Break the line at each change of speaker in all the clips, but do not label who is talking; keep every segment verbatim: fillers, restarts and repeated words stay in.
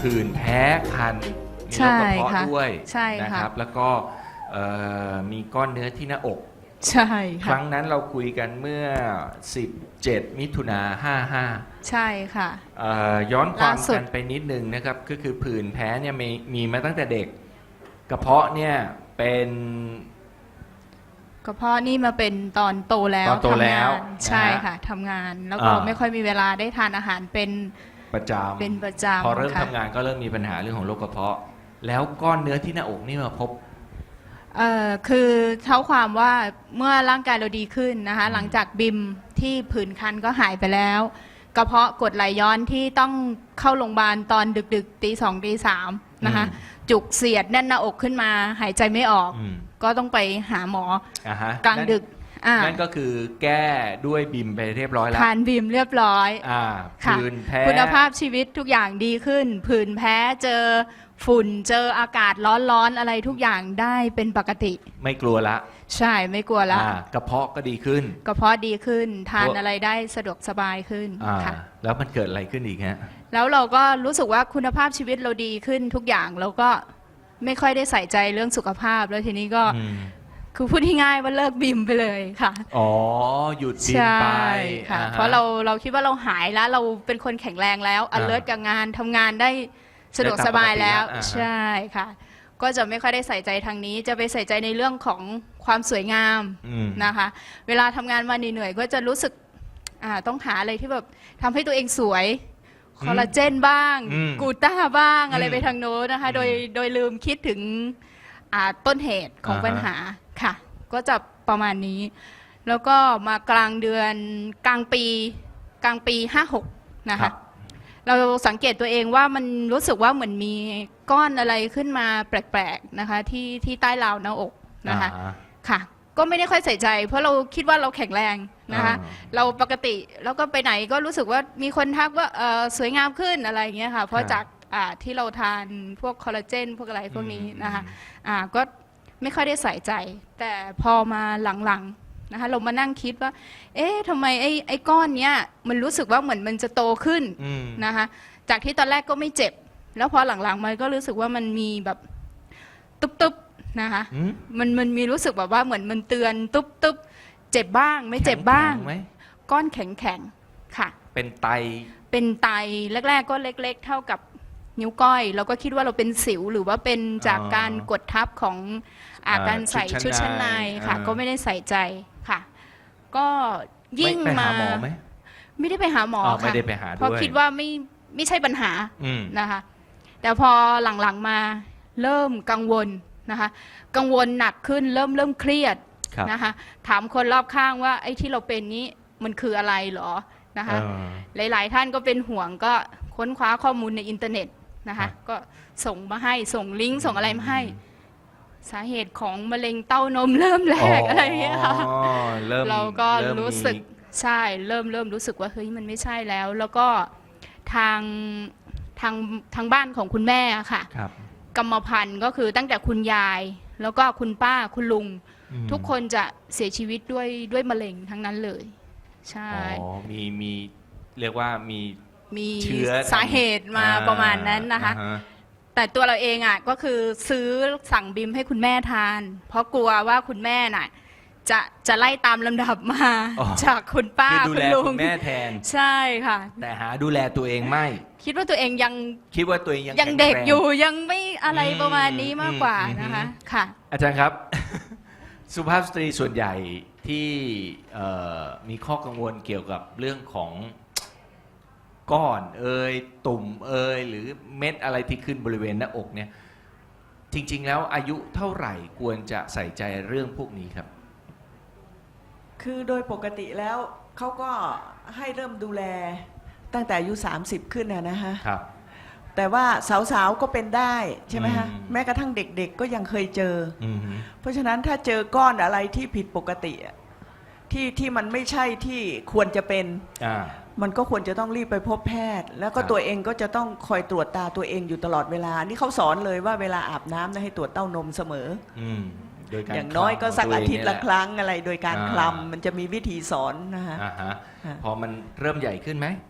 ผื่นแพ้คันมีโรคกระเพาะด้วยนะครับแล้วก็มีก้อนเนื้อที่หน้าอก
ใช่
ครั้งนั้นเราคุยกันเมื่อสิบเจ็ดมิถุนาห้าห้า
ใช่ค่ะ
ย้อนความกันไปนิดนึงนะครับก็คือผื่นแพ้เนี่ยมีมีมาตั้งแต่เด็กกระเพาะเนี่ยเป็น
กระเพาะนี่มาเป็นตอนโตแล้ว
ตอนโตแล้ว
ใช่ค่ะทำงานแล้วก็ไม่ค่อยมีเวลาได้ทานอาหารเป็น
ประจำ
เป็นประจำ
พอเริ่มทำงานก็เริ่มมีปัญหาเรื่องของโรคกระเพาะแล้วก้อนเนื้อที่หน้าอกนี่มาพบ
เอ่อคือเท่าความว่าเมื่อร่างกายเราดีขึ้นนะคะหลังจากบิมที่ผื่นคันก็หายไปแล้วกระเพาะกรดไหลย้อนที่ต้องเข้าโรงพยาบาลตอนดึกๆตีสองตีสามนะคะจุกเสียดแน่นหน้าอกขึ้นมาหายใจไม่ออกก็ต้องไปหาหมอกลางดึก
นั่นก็คือแก้ด้วยบิมไปเรียบร้อยแล้ว
ทานบิมเรียบร้อย
ผื่นแพ้
คุณภาพชีวิตทุกอย่างดีขึ้นผื่นแพ้เจอฝุ่นเจออากาศร้อนๆอะไรทุกอย่างได้เป็นปกติ
ไม่กลัวละ
ใช่ไม่กลัวละ
กระเพาะก็ดีขึ้น
กระเพาะดีขึ้นทานอะไรได้สะดวกสบายขึ้นค่ะ
แล้วมันเกิดอะไรขึ้นอีกฮะ
แล้วเราก็รู้สึกว่าคุณภาพชีวิตเราดีขึ้นทุกอย่างเราก็ไม่ค่อยได้ใส่ใจเรื่องสุขภาพแล้วทีนี้ก็คือพูดง่ายๆว่าเลิกบิมไปเลยค่ะ
อ๋อหยุดบิมไป
ค่ะเพราะเราเราคิดว่าเราหายแล้วเราเป็นคนแข็งแรงแล้ว alert กับงานทำงานได้สะดวกสบายแล้วใช่ค่ะก็จะไม่ค่อยได้ใส่ใจทางนี้จะไปใส่ใจในเรื่องของความสวยงามนะคะเวลาทำงานมาเหนื่อยๆก็จะรู้สึกต้องหาอะไรที่แบบทำให้ตัวเองสวยคอลลาเจนบ้างกูต้าบ้างอะไรไปทางโน้นนะคะโดยโดยลืมคิดถึงต้นเหตุของปัญหาค่ะก็จะประมาณนี้แล้วก็มากลางเดือนกลางปีกลางปีห้าหกนะคะเราสังเกตตัวเองว่ามันรู้สึกว่าเหมือนมีก้อนอะไรขึ้นมาแปลกๆนะคะที่ที่ใต้ราวหน้าอกนะคะค่ะก็ไม่ได้ค่อยใส่ใจเพราะเราคิดว่าเราแข็งแรงนะคะเราปกติแล้วก็ไปไหนก็รู้สึกว่ามีคนทักว่าสวยงามขึ้นอะไรอย่างเงี้ยค่ะเพราะจากที่เราทานพวกคอลลาเจนพวกอะไรพวกนี้นะคะก็ไม่ค่อยได้ใส่ใจแต่พอมาหลังๆนะคะเรามานั่งคิดว่าเอ๊ะทำไมไอ้ไอ้ก้อนเนี้ยมันรู้สึกว่าเหมือนมันจะโตขึ้นนะคะจากที่ตอนแรกก็ไม่เจ็บแล้วพอหลังๆมันก็รู้สึกว่ามันมีแบบตุ๊บๆนะคะมันมันมีรู้สึกแบบว่าเหมือนมันเตือนตุ๊บๆเจ็บบ้างไม่เจ็บบ้างก้อนแข็งๆค่ะ
เป็นไต
เป็นไตแรกๆก็เล็กๆเท่ากับนิ้วก้อยเราก็คิดว่าเราเป็นสิวหรือว่าเป็นจากการกดทับของอาการใส่ชุดชั้นในค่ะก็ไม่ได้ใส่ใจค่ะก็ยิ่งมาไม่ได้ไปหาหมอค่ะเพราะคิดว่าไม่ไม่ใช่ปัญหานะคะแต่พอหลังๆมาเริ่มกังวลนะคะกังวลหนักขึ้นเริ่มเริ่มเครียดนะคะถามคนรอบข้างว่าไอ้ที่เราเป็นนี้มันคืออะไรหรอนะคะหลายๆท่านก็เป็นห่วงก็ค้นคว้าข้อมูลในอินเทอร์เน็ตนะคะก็ส่งมาให้ส่งลิงก์ส่งอะไรมาให้สาเหตุของมะเร็งเต้านมเริ่มแรกอะไรอย่างเงี้ยค่ะเราก็รู้สึกใช่เริ่มเริ่มรู้สึกว่าเฮ้ยมันไม่ใช่แล้วแล้วก็ทางทางทางบ้านของคุณแม่ค่ะกรรมพันธุ์ก็คือตั้งแต่คุณยายแล้วก็คุณป้าคุณลุงทุกคนจะเสียชีวิตด้วยด้วยมะเร็งทั้งนั้นเลยใช่
อ๋อมีมีเรียกว่ามี
มีสาเหตุมาประมาณนั้นนะคะแต่ตัวเราเองอ่ะก็คือซื้อสั่งบิมให้คุณแม่ทานเพราะกลัวว่าคุณแม่น่ะจะจะไล่ตามลำดับมาจากคุณป้า
คุณลุงแม่แทน
ใช่ค่ะ
แต่หาดูแลตัวเองไม่
คิดว่าตัวเองยัง
คิดว่าตัวเองยัง
ยังเด็กอยู่ยังไม่อะไรประมาณนี้มากกว่านะคะค่ะ
อาจารย์ครับสุภาพสตรีส่วนใหญ่ที่มีข้อกังวลเกี่ยวกับเรื่องของก้อนเอ่ยตุ่มเอ่ยหรือเม็ดอะไรที่ขึ้นบริเวณหน้าอกเนี่ยจริงๆแล้วอายุเท่าไหร่ควรจะใส่ใจเรื่องพวกนี้ครับ
คือโดยปกติแล้วเขาก็ให้เริ่มดูแลตั้งแต่อายุสามสิบขึ้นนะฮะ
ครับ
แต่ว่าสาวๆก็เป็นได้ใช่ไหมฮะแม้กระทั่งเด็กๆก็ยังเคยเจอเพราะฉะนั้นถ้าเจอก้อนอะไรที่ผิดปกติที่ที่มันไม่ใช่ที่ควรจะเป็นมันก็ควรจะต้องรีบไปพบแพทย์แล้วก็ตัวเองก็จะต้องคอยตรวจตาตัวเองอยู่ตลอดเวลานี่เขาสอนเลยว่าเวลาอาบน้ำให้ตรวจเต้านมเสมออย่างน้อยก็สักอาทิตย์ละครั้งอะไรโดยการคลำมันจะมีวิธีสอนนะฮะ
พอมันเริ่มใหญ่ขึ้นไหม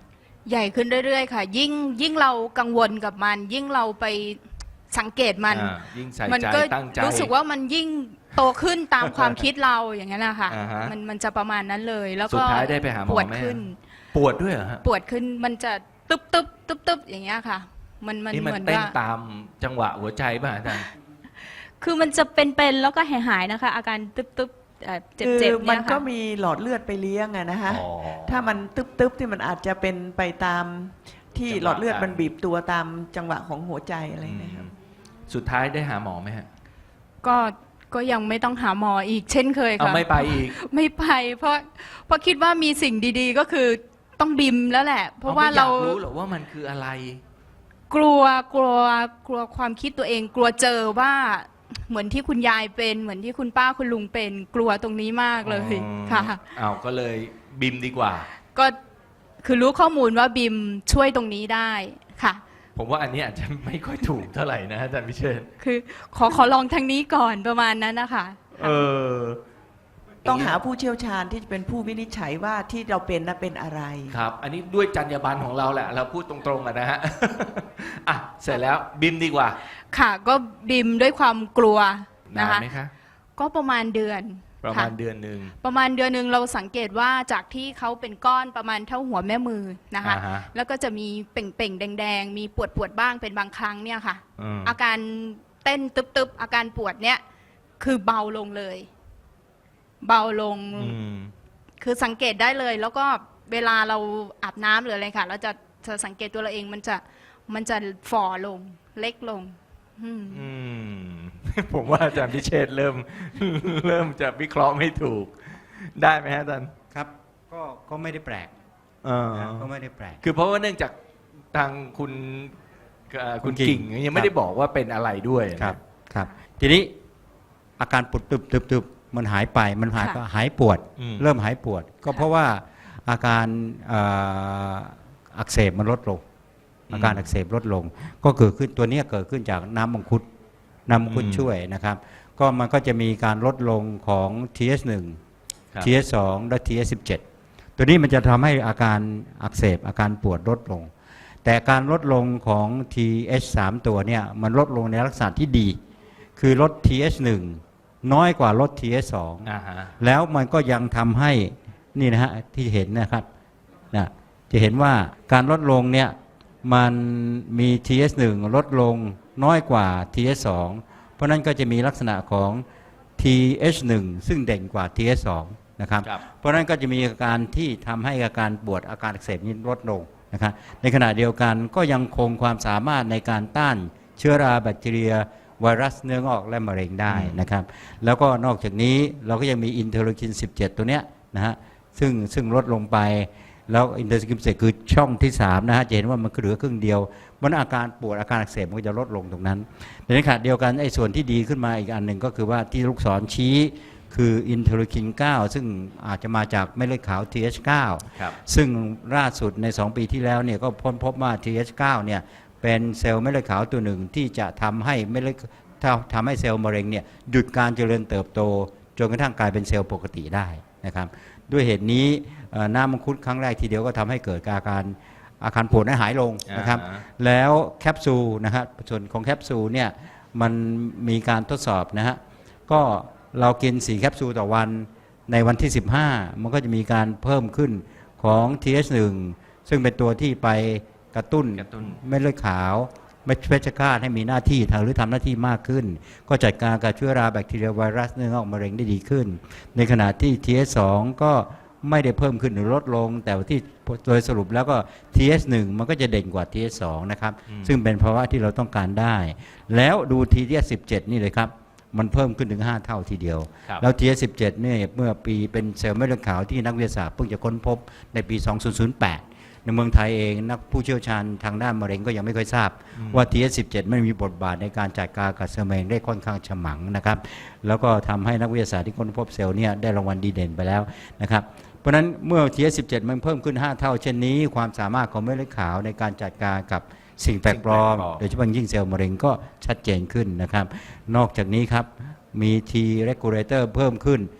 ใหญ่ขึ้นเรื่อยๆค่ะ ยิ่งยิ่งเรากังวลกับมัน ยิ่งเราไปสังเกตมัน
อ่ายิ่งใส่
มัน
ใจ
ก็
ตั้งใจ
รู้สึกว่ามันยิ่งโตขึ้นตามความคิดเราอย่างนั้นนะคะ
อ่าฮะ
มันมันจะประมาณนั้นเลย แล้ว
สุ
ก็
ดท้ายได้ไปหาหมอ
ปวด
ไหม
ขึ้น
ปวดด้วยเหรอฮะ
ปวดขึ้นมันจะตึ๊บตึ๊บตึ๊บตึ๊บอย่างเงี้ยค่ะ มันมัน
นี่มัน
เหมือน
เต้น
ว่า
ตามจังหวะหัวใจป่ะอาจารย์
คือมันจะเป็นๆแล้วก็หายๆนะคะ อาการตึ๊บตึ๊บเอ่อเจ็บ
คือ
เจ็บ
มั
เนี่
น
ย
ก็
ค่ะ
มีหลอดเลือดไปเลี้ยงอะนะคะ
อ๋อ
ถ้ามันตึ๊บๆที่มันอาจจะเป็นไปตามที่
จังหวะ
หลอดเลือด
การ
มันบีบตัวตามจังหวะของหัวใจอะไรนะครับ
สุดท้ายได้หาหมอไหมฮะ
ก็ก็ยังไม่ต้องหาหมออีกเช่นเคย
เอา
ค่ะ
ไม่ไปอีก
ไม่ไป เพราะเพราะคิดว่ามีสิ่งดีๆก็คือต้องบิมแล้วแหละ เพราะว่าเรา
ไม่อยกรู้หรอกว่ามันคืออะไร
กลัวกลัวกลัวความคิดตัวเอง กลัวเจอว่าเหมือนที่คุณยายเป็น เหมือนที่คุณป้าคุณลุงเป็น กลัวตรงนี้มากเลย
อ๋อ
ค่ะ
เอาก็เลยบิมดีกว่า
ก็คือรู้ข้อมูลว่าบิมช่วยตรงนี้ได้ค่ะ
ผมว่าอันนี้อาจจะไม่ค่อยถูกเท่าไหร่นะอาจารย์พิเชษฐ์
คือขอขอลองทางนี้ก่อนประมาณนั้นนะคะ
เออ
ต้องหาผู้เชี่ยวชาญที่จะเป็นผู้วินิจฉัยว่าที่เราเป็นนะเป็นอะไร
ครับ อันนี้ด้วยจรรยาบรรณของเราแหละ เราพูดตรงๆอะนะฮะ อ่ะ เสร็จแล้วบิมดีกว่า
ค่ะ ก็บิมด้วยความกลัว
นา
นะ
น
คะ
ไหมคะ
ก็ประมาณเดือน
ประ
ค่
มาณเดือนหนึ่ง
ประมาณเดือนหนึ่งเราสังเกตว่าจากที่เขาเป็นก้อนประมาณเท่าหัวแม่มือนะคะ
อ่าฮะ
แล้วก็จะมีเป่งๆแดงๆ มีปวดปวดๆบ้างเป็นบางครั้งเนี่ยค่ะ
อืม
อาการเต้นตึบๆ อาการปวดเนี่ยคือเบาลงเลย เบาลง
อืม
คือสังเกตได้เลย แล้วก็เวลาเราอาบน้ำหรืออะไรค่ะ เราจะจะสังเกตตัวเราเองมันจะมันจะฝ่อลงเล็กลง อืม
อืม ผมว่าอาจารย์พิเชษฐ์เริ่ม เริ่มจะวิเคราะห์ไม่ถูก ได้ไหมฮะอาจารย์
ครับก็ก็ไม่ได้แปลก
เออ
นะก็ไม่ได้แปลก
คือเพราะว่าเนื่องจากทางคุณเอ่อคุณ
คุณกิ่
กิ่ง
ง
ยังไม่ได้บอกว่าเป็นอะไรด้วย
ครับครับทีนี้อาการปวดตึบตึบตึบมันหายไปมันหาย
ค่ะ
ก็หายปวด
อืม
เริ่มหายปวด ก็เพราะว่าอาการเอ่ออักเสบมันลดลง อาการอักเสบลดลง ก็เกิดขึ้นตัวเนี้ยเกิดขึ้นจากน้ำมังคุดน้ำมังคุดช่วยนะครับ ก็มันก็จะมีการลดลงของ ที เอส หนึ่ง
ครับ
ที เอส สอง และ ที เอส สิบเจ็ด ตัวนี้มันจะทำให้อาการอักเสบอาการปวดลดลง แต่การลดลงของ ที เอช สาม ตัวเนี่ยมันลดลงในลักษณะที่ดี คือลด ที เอช หนึ่ง น้อยกว่าลด ที เอส สอง
อ่าฮะ
แล้วมันก็ยังทำให้นี่นะฮะที่เห็นนะครับนะจะเห็นว่าการลดลงเนี่ยมันมี ที เอส หนึ่ง ลดลงน้อยกว่า ที เอส สอง เพราะนั้นก็จะมีลักษณะของ ที เอช หนึ่ง ซึ่งเด่นกว่า ที เอส สอง นะครับ
ครับ
เพราะนั้นก็จะมีอาการที่ทำให้อาการปวดอาการอักเสบนี้ลดลงนะครับในขณะเดียวกันก็ยังคงความสามารถในการต้านเชื้อราแบคทีเรียไวรัสเนื้องอกและมะเร็งได้นะครับแล้วก็นอกจากนี้เราก็ยังมีอินเทอร์ลูคิน สิบเจ็ด ตัวเนี้ยนะฮะซึ่งซึ่งลดลงไปแล้วอินเทอร์ลูคิน สิบเจ็ด คือช่องที่สามนะฮะจะเห็นว่ามันเหลือครึ่งเดียวมันอาการปวดอาการอักเสบมันก็จะลดลงตรงนั้นในขณะเดียวกันไอ้ส่วนที่ดีขึ้นมาอีกอันหนึ่งก็คือว่าที่ลูกศรชี้คืออินเทอร์ลูคิน เก้า ซึ่งอาจจะมาจากเม็ดเลือดขาว ที เอช เก้า
ครับ
ซึ่งล่าสุดใน สอง ปีที่แล้วเนี่ยก็พ้นพบว่า ที เอช เก้า เนี่ยเป็นเซลล์เม็ดเลือดขาวตัวหนึ่งที่จะทำให้เม็ดเลือดทำให้เซลล์มะเร็งเนี่ยหยุดการเจริญเติบโตจนกระทั่งกลายเป็นเซลล์ปกติได้นะครับด้วยเหตุนี้เอ่อน้ำมังคุดครั้งแรกทีเดียวก็ทำให้เกิดอาการอาการปวดนั้นหายลงนะครับ
อ่าฮะ
แล้วแคปซูลนะครับส่วนของแคปซูลเนี่ยมันมีการทดสอบนะฮะก็เรากินสี่แคปซูลต่อวันในวันที่สิบห้ามันก็จะมีการเพิ่มขึ้นของ ที เอช หนึ่ง ซึ่งเป็นตัวที่ไปกระตุ้น
กระตุ้น
เม็ดเลือดขาวเม็ดเพชฌฆาตให้มีหน้าที่ทางหรือทำหน้าที่มากขึ้น ก็จัดการกับเชื้อราแบคทีเรียไวรัสเนื้องอกมะเร็งได้ดีขึ้น ในขณะที่ ที เอส สอง ก็ไม่ได้เพิ่มขึ้นหรือลดลง แต่ว่าที่โดยสรุปแล้วก็ ที เอส หนึ่ง มันก็จะเด่นกว่า ที เอส สอง นะครับซึ่งเป็นภาวะที่เราต้องการได้ แล้วดู ที เอส สิบเจ็ด นี่เลยครับมันเพิ่มขึ้นถึงห้าเท่าทีเดียว
ครับ
แล้ว ที เอส สิบเจ็ด เนี่ยเมื่อปีเป็นเซลล์เม็ดเลือดขาวที่นักวิทยาศาสตร์เพิ่งจะค้นพบในปี สองพันแปด ในเมืองไทยเองนักผู้เชี่ยวชาญทางด้านมะเร็งก็ยังไม่ค่อยทราบว่า ที เอส สิบเจ็ด ไม่มีบทบาทในการจัดการกับเซลล์มะเร็งได้ค่อนข้างฉมังนะครับแล้วก็ทำให้นักวิทยาศาสตร์ที่ค้นพบเซลล์เนี่ยได้รางวัลดีเด่นไปแล้วนะครับเพราะฉะนั้นเมื่อ ที เอส สิบเจ็ด มันเพิ่มขึ้นห้าเท่าเช่นนี้ความสามารถของเม็ดเลือดขาวในการจัดการกับสิ่งแปลกปลอม
สิ่งแปลกปลอม
โดยเฉพาะยิ่งเซลล์มะเร็งก็ชัดเจนขึ้นนะครับนอกจากนี้ครับมี T regulator เพิ่มขึ้น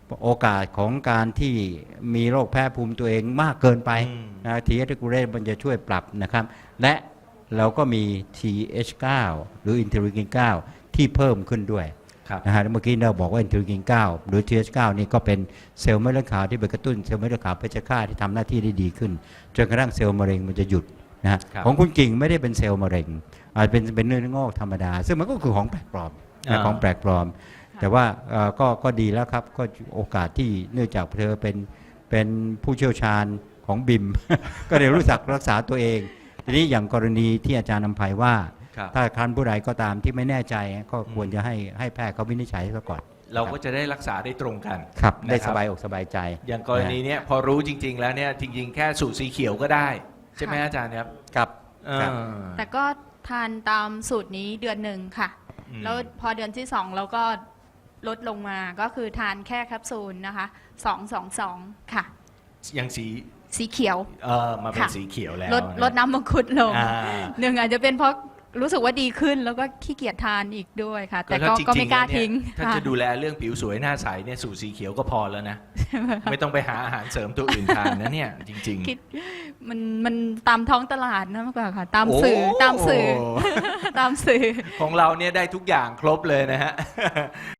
โอกาสของการที่มีโรคแพ้ภูมิตัวเองมากเกินไป
อืม
นะ T เอช regulate มันจะช่วยปรับนะครับและเราก็มี ที เอช ไนน์ หรืออินเทอร์ลีกิน ไนน์ ที่เพิ่มขึ้นด้วย
ครับ
นะฮะเมื่อกี้เราบอกว่าอินเทอร์ลีกิน ไนน์ หรือ ที เอช ไนน์ นี่ก็เป็นเซลล์เม็ดเลือดขาวที่ไปกระตุ้นเซลล์เม็ดเลือดขาวเพชฌฆาตที่ทำหน้าที่ได้ดีขึ้นจนกระทั่งเซลล์มะเร็งมันจะหยุดนะฮะ
ครับ
ของคุณกิ่งไม่ได้เป็นเซลล์มะเร็งอาจเป็นเป็นเนื้องอกธรรมดา ซึ่งมันก็คือของแปลกปลอมนะของแปลกปลอม แต่ว่าเอ่อก็ก็ดีแล้วครับก็โอกาสที่เนื่องจากเธอเป็นเป็นผู้เชี่ยวชาญของบิม ก็เดี๋ยวรู้จักรักษาตัวเอง ทีนี้อย่างกรณีที่อาจารย์นำภัยว่า
ครับ
ถ้าครั้นผู้ใดก็ตามที่ไม่แน่ใจก็ควรจะให้ให้แพทย์เขาวินิจฉัยซะก่อน
เราก็จะได้รักษาได้ตรงกัน
ครับได้
นะค
ส
รับ
บายอกสบายใจ
อย่างกรณีเนี้ยพอรู้จริง ๆ แล้วเนี่ยจริง ๆ แค่สูตรสีเขียวก็ได้ ใช่ไหมอาจารย์ครับ
ครับ
เอ
ครับ
อ
แต่ก็ทานตามสูตรนี้เดือนหนึ่งค่ะ
อืม
แล้วพอเดือนที่สองเราก็ลดลงมาก็คือทานแค่แคปซูลนะคะสองสองสองค่ะ
อย่างสี
สีเขียว
เออมาเป็น
ค่ะ
สีเขียวแล้ว
ลด
ะ
ลดน้ำมังคุดลง
อ่า
หนึ่งอาจจะเป็นเพราะรู้สึกว่าดีขึ้นแล้วก็ขี้เกียจทานอีกด้วยค่ะ แต่ก็
ถ้าจริงๆ
ก็ไม่กล้า
แล้วเนี่ย
ทิ้ง
ถ้า
ค่ะ
จะดูแลเรื่องผิวสวยหน้าใสเนี่ยสูตรสีเขียวก็พอแล้วนะ ไม่ต้องไปหาอาหารเสริมตัวอื่นทานนะเนี่ยจริง
คิดมันมันตามท้องตลาดนะมากกว่าค่ะ ตาม
โอ้
สื่อตามสื่อ ตามสื่อ
ๆ ของเราเนี่ยได้ทุกอย่างครบเลยนะฮะ